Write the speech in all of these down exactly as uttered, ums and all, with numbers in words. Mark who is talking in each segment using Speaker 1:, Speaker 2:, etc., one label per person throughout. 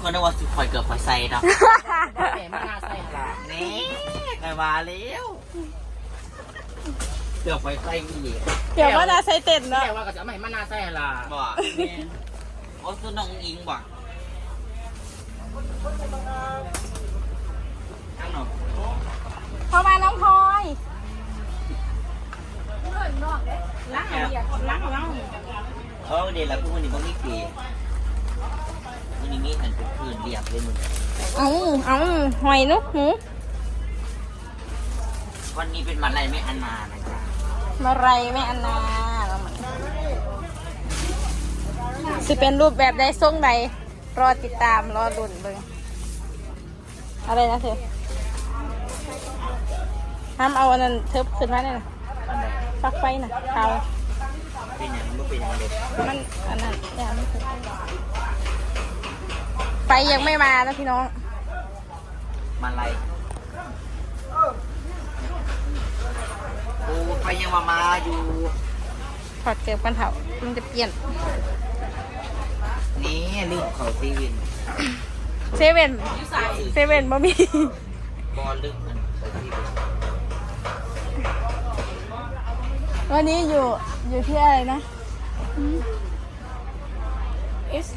Speaker 1: คนนึกว่าสุดข่อยเกือบข่อยใส่เนาะ
Speaker 2: แหมมาหน้าใส่หลา
Speaker 1: นี่ไงมาแล้วเกือบข่อยใส่อีก
Speaker 3: เดี๋ยวว่าจะใส่เต็นเนาะ
Speaker 2: แม่ว่าก็จะไม่มาหน้าใส่หลา
Speaker 1: บ่โอ้ตัวน้องอิงบ่ทั้งหนอ
Speaker 3: เข้ามาน้องพลอย
Speaker 1: ล้างเดียวล้างล้างเออเดี๋ยวละพวกมันนี่บ่มีปีมันนี่มีอันเป็นพื้นเรียบเลยมึง
Speaker 3: เอาเอาหอยนุ๊กหู
Speaker 1: วันนี้เป็นวันอะไรไม่อันมานะจ๊ะ
Speaker 3: มาไรแม่อันนาสิเป็นรูปแบบใดทรงใดรอติดตามรอลุ้นเบิ่งอะไรนะเธอห้ามเอาอันนั้นเทิบขึ้นมาเนี่ยนะ
Speaker 1: อันไหน
Speaker 3: ฟักไฟน่ะเขา
Speaker 1: เป็นอย่างมันเป็นอย่างเด็ก
Speaker 3: มันอันนั้นอย่าไม่ถึงไฟยังไม่มานะพี่น้อง
Speaker 1: มาอะไรโอ้ไปยังมามาอยู่
Speaker 3: ถอดเกือบกันเถอะมันจะเปลี่ยน
Speaker 1: นี่ลืมเขาซีวิน
Speaker 3: เซเว่นเซเว่นบ่มี
Speaker 1: บอลลืมมันเขาซีวิน
Speaker 3: วันนี้อยู่อยู่ที่อะไรนะเอส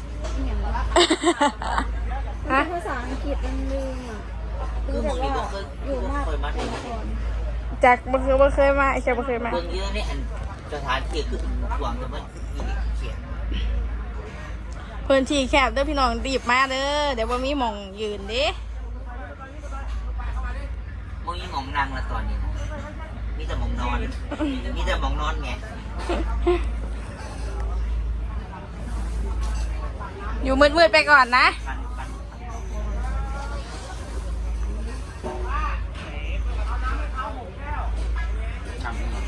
Speaker 3: ฮะ
Speaker 4: ภาษาอังกฤษมันลืมอ่ะ
Speaker 1: คือมึงนี่ก็เคยอยู่มากเคยมาที่
Speaker 3: จากบ่เคยบ่เคยมาไอ้แค่บ่เคยมา
Speaker 1: เมืองเยอะนี่อันสถานที่คือหวงแต่มันอีเขียน
Speaker 3: พื้นที่แคบเด้อพี่น้องรีบมาเด้อเดี๋ยวบ่มีหม่องยืนเด้
Speaker 1: มึงยังมองนั่งละตอนนี้นะมีแต่มองนอนมีแต่มองนอนไง
Speaker 3: อยู่มืดๆไปก่อนนะ
Speaker 1: ปันปันทำยังไง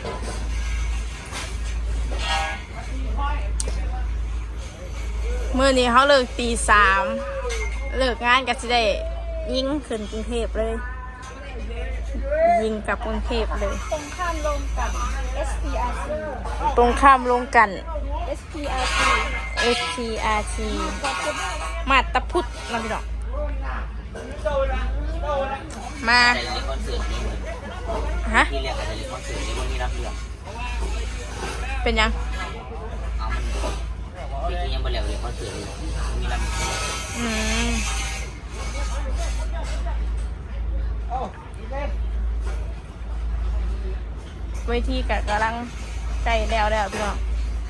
Speaker 3: มื้อนี้เขาเลิกตีสามเลิกงานก็สิได้ยิงขึ้นกรุงเทพเลย ยิงกลับกรุงเทพเลย
Speaker 4: ตรงข้ามลงกับ เอส พี อาร์ ซี
Speaker 3: ตรงข้ามลงกัน
Speaker 4: เอส พี อาร์ ซี
Speaker 3: เอส พี อาร์ ที มาตะพุทธนะพี่น้องมา
Speaker 1: แต่เรียนคอนเสิร์ตนี้
Speaker 3: ฮะ
Speaker 1: ที่เรียกอะไรเรียนคอนเสิร์ตนี้วันนี้รับเรื่อง
Speaker 3: เป็นยัง
Speaker 1: เอามันปีที่ยังไม่เรียกเรียนคอนเสิร์ตเลยมีรับ
Speaker 3: อืมเวทีกะกำลังใกล้แล้วแล้วพี่น้อง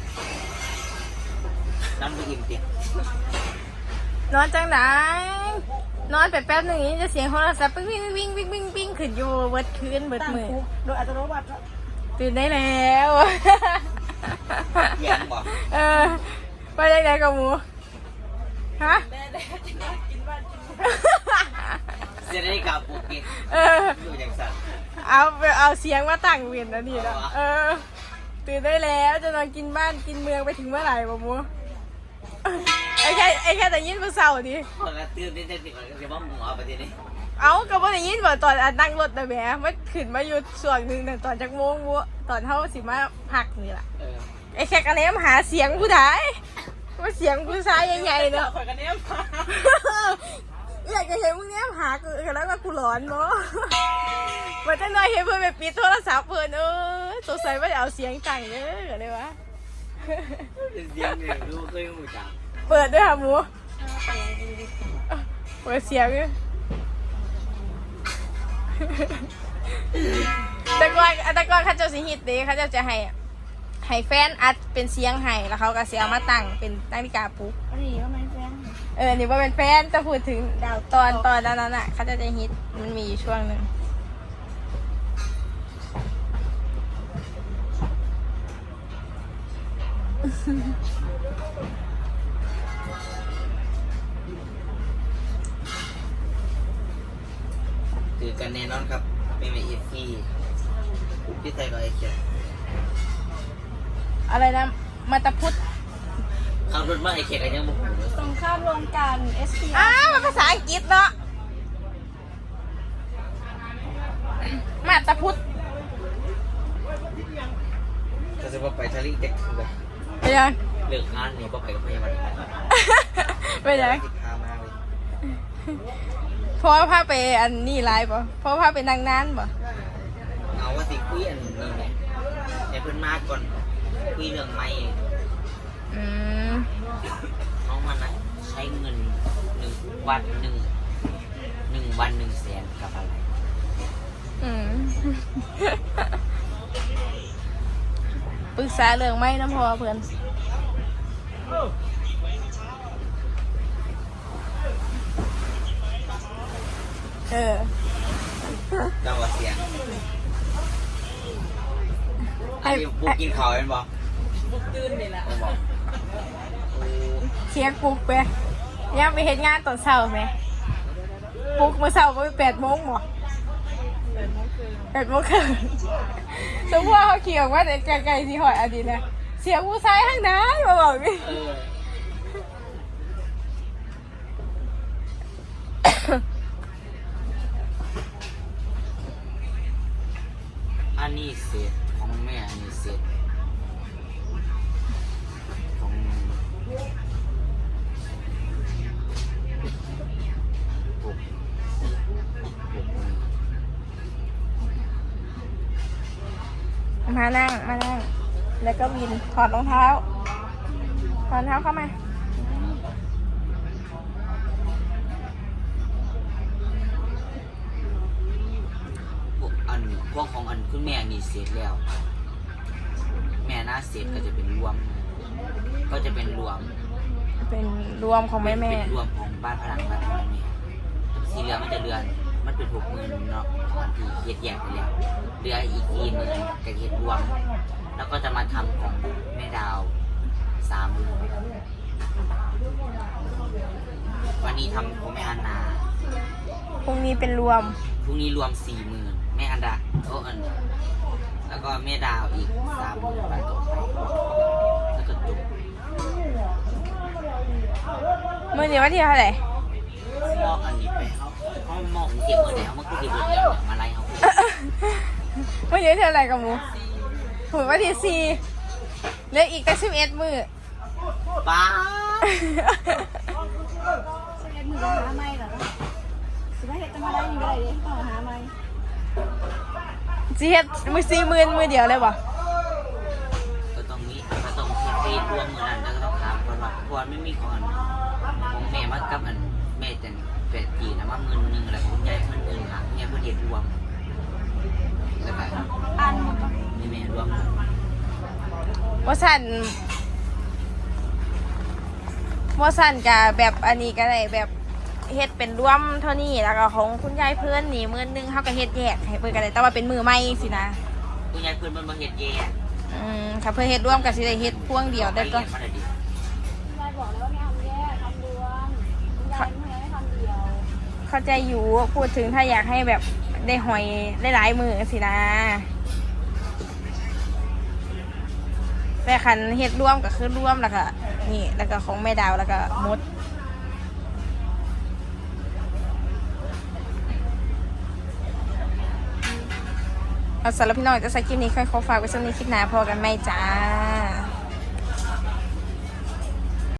Speaker 1: นั่นไปอิ่มเตียง
Speaker 3: นอนจังไหนนอนไปแป๊บหนึ่งนี้จะเสียงโทรศัพท์ปิ้งวิ่งวิ่งวิ่งวิ่งวิ่งขึ้นอยู่เบิดคืนเบิดมือ
Speaker 4: โดยอัตโนมัติ
Speaker 3: ตื่นได้แล้ว
Speaker 1: เยี่ยมบอก
Speaker 3: เออไปได้ไหนกับหมูฮะ
Speaker 1: เสียได้กับปุ๊กกี้
Speaker 3: เออ
Speaker 1: อยู่อย่างสั่น
Speaker 3: เอาเอาเสียงมาตั้งเวียนแล้วนี่นะเออตื่นได้แล้วจะนอนกินบ้านกินเมืองไปถึงเมื่อไหร่บ่หมูไอ้แค่ไอ้แค่แต่ยินเมื่อเช้าดิ
Speaker 1: คนละตื่นนิดๆก่อนจะว่าหมูเอาไปทีนี้
Speaker 3: เอาก็บ่ได้ยินบ่ตอนอันนั่งรถนะแหมมันขึ้นมาอยู่ส่วนหนึ่งแต่ตอนจักโมงบัวตอนเท่าสิมาพักนี่ล่ะ
Speaker 1: เออ
Speaker 3: ไอ้แค่กระเล้มหาเสียงผู้ใดว่าเสียงผู้ชายใหญ่ๆเนาะ
Speaker 2: ข่อยกันเนี้ย
Speaker 3: อยากจะเห็นมึงเนี้ยหากูแล้วก็กูร้อนเนาะมันจะน้อยเห็นเพื่อนไปปิดโทรศัพท์เพื่อนเออสงสัยว่าจะเอาเสียงตังเยอะเลยวะ
Speaker 1: เสียงเนี่ยรู้เคยหูจัง
Speaker 3: เปิดด้วยค่ะหมูเปิดเสียงด้วยแต่ก่อนแต่ก่อนเขาเจะสิฮิตเด้เขาเจะจะให้ให้แฟนอัดเป็นเสียงให้แล้วเขาก็เสียมาตั้งเป็นนาฬิกาปลุก
Speaker 4: อันนี้ก็ไม่แฟน
Speaker 3: เออ นี่ว่าเป็นแฟนจะพูดถึงดาวตอนตอนนั้นน่ะเขาจะจะฮิต มันมีอยู่ช่วงหนึ่ง
Speaker 1: คือกันแน่นอนครับไม่มีเอฟพีพี่ไทยก็ไอ้เขียน
Speaker 3: อะไรนะ มาตะพุทธ
Speaker 1: ขับรถมาไอ้เขียนกันยังบุกหูเลย
Speaker 4: ตรงข้ามลงกัน เอส พี อา
Speaker 3: อ้า
Speaker 4: ร์
Speaker 3: วมันภาษาอังกฤษเนาะ มาตะพุทธ
Speaker 1: ก็จะว่าไปทะเลเด็กคือแบบ
Speaker 3: ไปยัง
Speaker 1: เลิกงานนี่ก็ไปกับพยาบาล
Speaker 3: ไปยัง
Speaker 1: ติดพามาเลย
Speaker 3: เพราะว่าพาไปอันนี้ไลฟ์ป่ะเพราะว่าพาไปนั่งนานป่ะ
Speaker 1: เอาว่าสิคุยอันนี้ไหมเดี๋ยวเพิ่นมาก่อนคุยเรื่องไม่
Speaker 3: อืม
Speaker 1: น้องมันนะใช้เงินหนึ่งวันหนึ่งหนึ่งวันหนึ่งแสนกับอะไร
Speaker 3: อืม ปรึกษาเรื่องไม่น้ำพอเพื่อนเออ
Speaker 1: จังหวะเสียงอันนี้บุกกินข้าวเป็นบ่บุกตื่นนี่แหละบอก
Speaker 3: เสียงปลุกไปยังไปเห็นงานตอนเช้าไหมปลุกเมื่อเช้าก็ไปแปดโมงหมดแปดโมงครึ่งสมมติว่าเขาขี่ออกมาแต่ไกลๆที่หอยอดีตนะเสียงผู้ชายข้างหน้ามาบอกนี่
Speaker 1: เอออันนี้เศษของแม่อันนี้เศษของปุ๊บปุ๊บ
Speaker 3: มานั่งมานั่งแล้วก็วินถอดรองเท้าถอดรองเท้าเข้ามา
Speaker 1: พวกอันพวกของอันคุณแม่นี่เสร็จแล้ว แม่น่าเสร็จก็จะเป็นรวม ก็จะเป็นรวม
Speaker 3: เป็นรวมของแม่แม่
Speaker 1: เป็นรวมของบ้านพลังบ้านของแม่แม่สีเหลือมันจะเดือนมันเป็นหกหมื่นเนาะตอนที่เฮ็ดแยกไปแล้วเหลืออีกทีหนึงกับเฮ็ดรวม แล้วก็จะมาทำของแม่ดาวสามหมื่นวันนี้ทำของแม่อันนา
Speaker 3: พรุ่งนี้เป็นรวม
Speaker 1: พรุ่งนี้รวมสี่หมื่นแม่อันดาโอ้อันแล้วก็แม่ดาวอีกสามหมื่นวันต่อไปแล้วก็จบ
Speaker 3: มื่อนี้วันที่เท่าไหร่
Speaker 1: มองอันนี้ไปเขาเขามองเก็บเงินแล้วมันก็เก็บเงินแล้วเนี่ยมาไล่เขา
Speaker 3: มื่อนี้เท่าไหร่กับหมูถือวันที่สี่เหลืออีกแต่สิบเอ็ดมือ
Speaker 1: ป้า
Speaker 4: สเก็ตมือหาไม่เหรอสิว่าเห็ดจะมาได้ยังไงเลยต้องหาไม่
Speaker 3: จีเฮ็ดมือสี่หมื่นมือเดียวเลยบ่
Speaker 1: ก็ต้องมีก็ต้องเฮ็ดรวมเงินนั้นแล้วก็ต้องถามก่อนว่าก่อนไม่มีของอันของแม่มากับอันแม่แต่แปดปีนะว่าเงินหนึ่งอะไรคุณยายเงินหนึ่งค่ะเนี่ยเพื่อเฮ็ดรวมแล้วก็
Speaker 4: อ่านหมดปะ
Speaker 1: นี่แม่รวม
Speaker 3: ว่าสั่นว่าสั่นกับแบบอันนี้ก็ได้แบบเฮ็ดเป็นรวมเท่านี้แล้วก็ของคุณยายเพื่อนนี่มือนึงเขาก็เฮ็ดแยกให้เพื่อนกันได้แต่ว่าเป็นมือใหม่สินะ
Speaker 1: คุณยายเพื่อนมันมาเฮ็ดแย่
Speaker 3: อืมถ้าเพื่อเฮ็ดร่วมกับสิได้เฮ็ดพ่วงเดียวได้ก็
Speaker 1: มาได้ดิ
Speaker 4: ยายบอกแล้วว่าไม่เอาแยกทำรวมยายไม่ให้ทำเดียว
Speaker 3: เข้าใจอยู่พูดถึงถ้าอยากให้แบบได้หอยได้หลายมือสินะแต่คันเฮ็ดร่วมก็คือร่วมแล้วก็นี่แล้วก็ของแม่ดาวแล้วก็มดเอาสำหรับพี่น้องจะใส่คลิปนี้ค่อยขอฝากไว้สักนิดคลิปหน้าพอกันไหมจ้า